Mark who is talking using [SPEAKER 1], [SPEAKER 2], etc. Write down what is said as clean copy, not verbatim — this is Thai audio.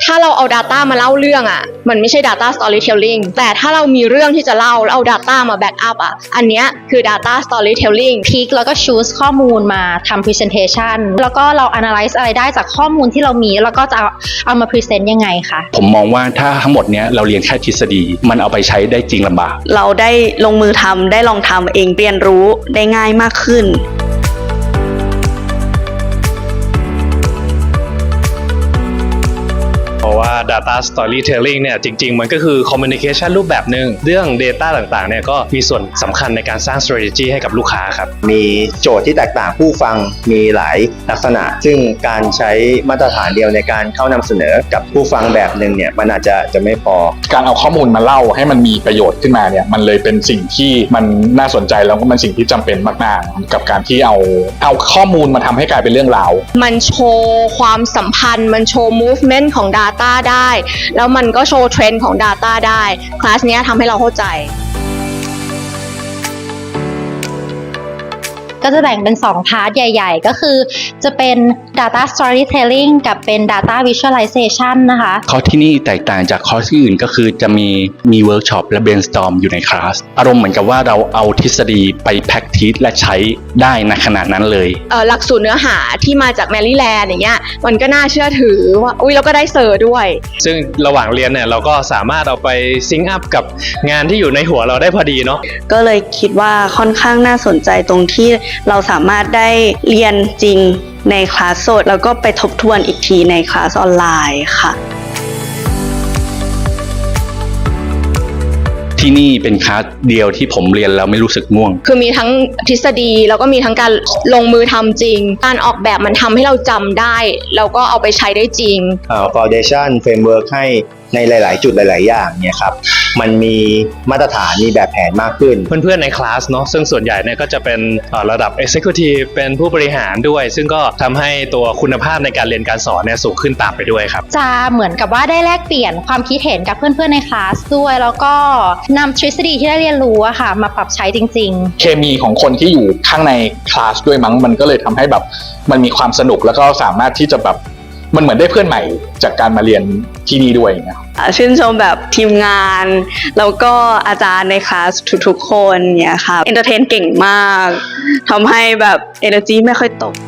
[SPEAKER 1] ถ้าเราเอา Data มาเล่าเรื่องอ่ะมันไม่ใช่ Data Storytelling แต่ถ้าเรามีเรื่องที่จะเล่าแล้วเอา Data มา back up อ่ะอันเนี้ยคือ Data Storytelling
[SPEAKER 2] พิกแล้วก็ choose ข้อมูลมาทำ presentation แล้วก็เรา analyze อะไรได้จากข้อมูลที่เรามีแล้วก็จะเอามา present ยังไงคะ
[SPEAKER 3] ผมมองว่าถ้าทั้งหมดเนี้ยเราเรียนแค่ทฤษฎีมันเอาไปใช้ได้จริงลำบาก
[SPEAKER 4] เราได้ลงมือทำได้ลองทำเองเรียนรู้ได้ง่ายมากขึ้น
[SPEAKER 5] เพราะว่า data storytelling เนี่ยจริงๆมันก็คือ communication รูปแบบหนึ่งเรื่อง data ต่างๆเนี่ยก็มีส่วนสำคัญในการสร้าง strategy ให้กับลูกค้าครับ
[SPEAKER 6] มีโจทย์ที่แตกต่างผู้ฟังมีหลายลักษณะซึ่งการใช้มาตรฐานเดียวในการเข้านำเสนอกับผู้ฟังแบบหนึ่งเนี่ยมันอาจจะไม่พอ
[SPEAKER 7] การเอาข้อมูลมาเล่าให้มันมีประโยชน์ขึ้นมาเนี่ยมันเลยเป็นสิ่งที่มันน่าสนใจแล้วก็มันสิ่งที่จำเป็นมากๆกับการที่เอาข้อมูลมาทำให้กลายเป็นเรื่องราว
[SPEAKER 1] มันโชว์ความสัมพันธ์มันโชว์ movement ของ Data ได้แล้วมันก็โชว์เทรนด์ของ Data ได้คลาสเนี้ยทำให้เราเข้าใจ
[SPEAKER 2] ก็จะแบ่งเป็น2พาร์ทใหญ่ๆก็คือจะเป็น data storytelling กับเป็น data visualization นะคะ
[SPEAKER 3] คอร์สที่นี่แตกต่างจากคอร์สที่อื่นก็คือจะมีเวิร์กช็อปและ brainstorm อยู่ในคลาสอารมณ์เหมือนกับว่าเราเอาทฤษฎีไป practice และใช้ได้ในขณะนั้นเลย
[SPEAKER 1] หลักสูตรเนื้อหาที่มาจากแมรี่แลนด์อย่างเงี้ยมันก็น่าเชื่อถือว่าเราก็ได้เซอร์ด้วย
[SPEAKER 5] ซึ่งระหว่างเรียนเนี่ยเราก็สามารถเอาไปซิงค์อัพกับงานที่อยู่ในหัวเราได้พอดีเนาะ
[SPEAKER 4] ก็เลยคิดว่าค่อนข้างน่าสนใจตรงที่เราสามารถได้เรียนจริงในคลาสสดแล้วก็ไปทบทวนอีกทีในคลาสออนไลน์ค่ะ
[SPEAKER 3] ที่นี่เป็นคลาสเดียวที่ผมเรียนแล้วไม่รู้สึกง่วง
[SPEAKER 1] คือมีทั้งทฤษฎีแล้วก็มีทั้งการลงมือทำจริงการออกแบบมันทำให้เราจำได้แล้วก็เอาไปใช้ได้จริง
[SPEAKER 6] foundation framework ให้ในหลายๆจุดหลายๆอย่างเนี่ยครับมันมีมาตรฐานมีแบบแผนมากขึ้น
[SPEAKER 5] เพื่อนๆในคลาสเนาะซึ่งส่วนใหญ่เนี่ยก็จะเป็นระดับ executive เป็นผู้บริหารด้วยซึ่งก็ทำให้ตัวคุณภาพในการเรียนการสอนเนี่ยสูงขึ้นตามไปด้วยครับ
[SPEAKER 2] จะเหมือนกับว่าได้แลกเปลี่ยนความคิดเห็นกับเพื่อนๆในคลาสด้วยแล้วก็นำทฤษฎีที่ได้เรียนรู้อะค่ะมาปรับใช้จริง
[SPEAKER 7] ๆเคมีของคนที่อยู่ข้างในคลาสด้วยมั้งมันก็เลยทำให้แบบมันมีความสนุกแล้วก็สามารถที่จะแบบมันเหมือนได้เพื่อนใหม่จากการมาเรียนที่นี่ด้วยนะ
[SPEAKER 4] ชื่นชมแบบทีมงานแล้วก็อาจารย์ในคลาสทุกๆคนเนี่ยค่ะเอนเตอร์เทนเก่งมากทำให้แบบ energy ไม่ค่อยตก